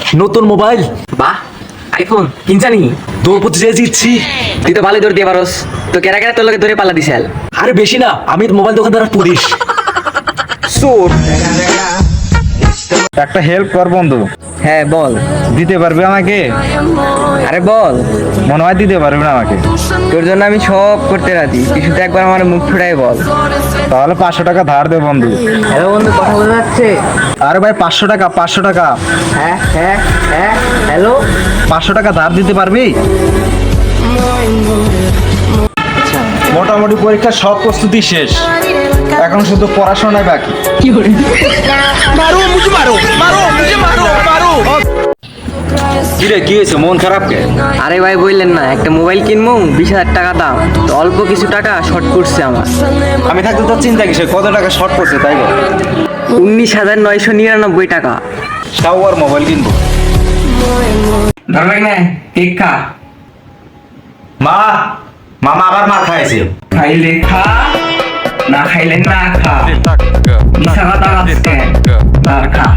নতুন মোবাইল বাহ আইফোন কিনছানি দৌড় প্রতিযোগিতা জিতছি। তুই তো ভালোই দৌড় দিয়ে পারস তো কেরা কেরা তোর লগে ধরে পাল্লা দিছাল আরে বেশি না, আমি মোবাইল দোকানদার আর পুলিশ। চোর একটা হেল্প কর বন্ধু, হ্যাঁ বল দিতে পারবি আমাকে? আরে বল মনে হয় দিতে পারবি না আমাকে। তোর জন্য আমি সব করতে রাজি তুই শুধু একবার আমার মুখ ফুটাই বল তাহলে 500 টাকা ধার দে বন্ধু। হ্যালো বন্ধু কথা বলা যাচ্ছে আরে ভাই 500 টাকা, 500 টাকা, হ্যাঁ হ্যাঁ হ্যাঁ হ্যালো 500 টাকা ধার দিতে পারবি? মোটামুটি পরীক্ষার সব প্রস্তুতি শেষ, এখন শুধু পড়াশোনায় বাকি। কিরে কি হয়েছে, মন খারাপ কে? আরে ভাই বললেন না একটা মোবাইল কিনবো 20,000 টাকা দাম তো অল্প কিছু টাকা শর্ট পড়ছে আমার আমি থাকতে তোর চিন্তা কিসে, কত টাকা শর্ট পড়ছে তাই বল। 19,999 টাকা তাও আর মোবাইল কিনবো। ধরবে না কেক খা মা, মামা আবার মার খাইছে। খাইলে খা না খাইলে না খা মিশা কথা আসছে না খা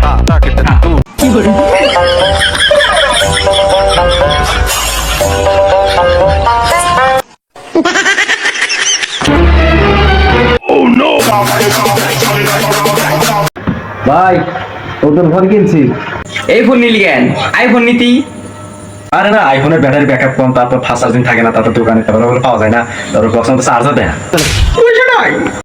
ভাই তোদের ফোন কিনছি। এই ফোন নিলি কেন আইফোন নিতি আরে না, আইফোনের ব্যাটারি ব্যাকআপ কম, তারপর ফাস্ট চার্জিং থাকে না, তারপর দোকানে তারপর পাওয়া যায় না, তারপর বক্স মতো চার্জও দেয় না।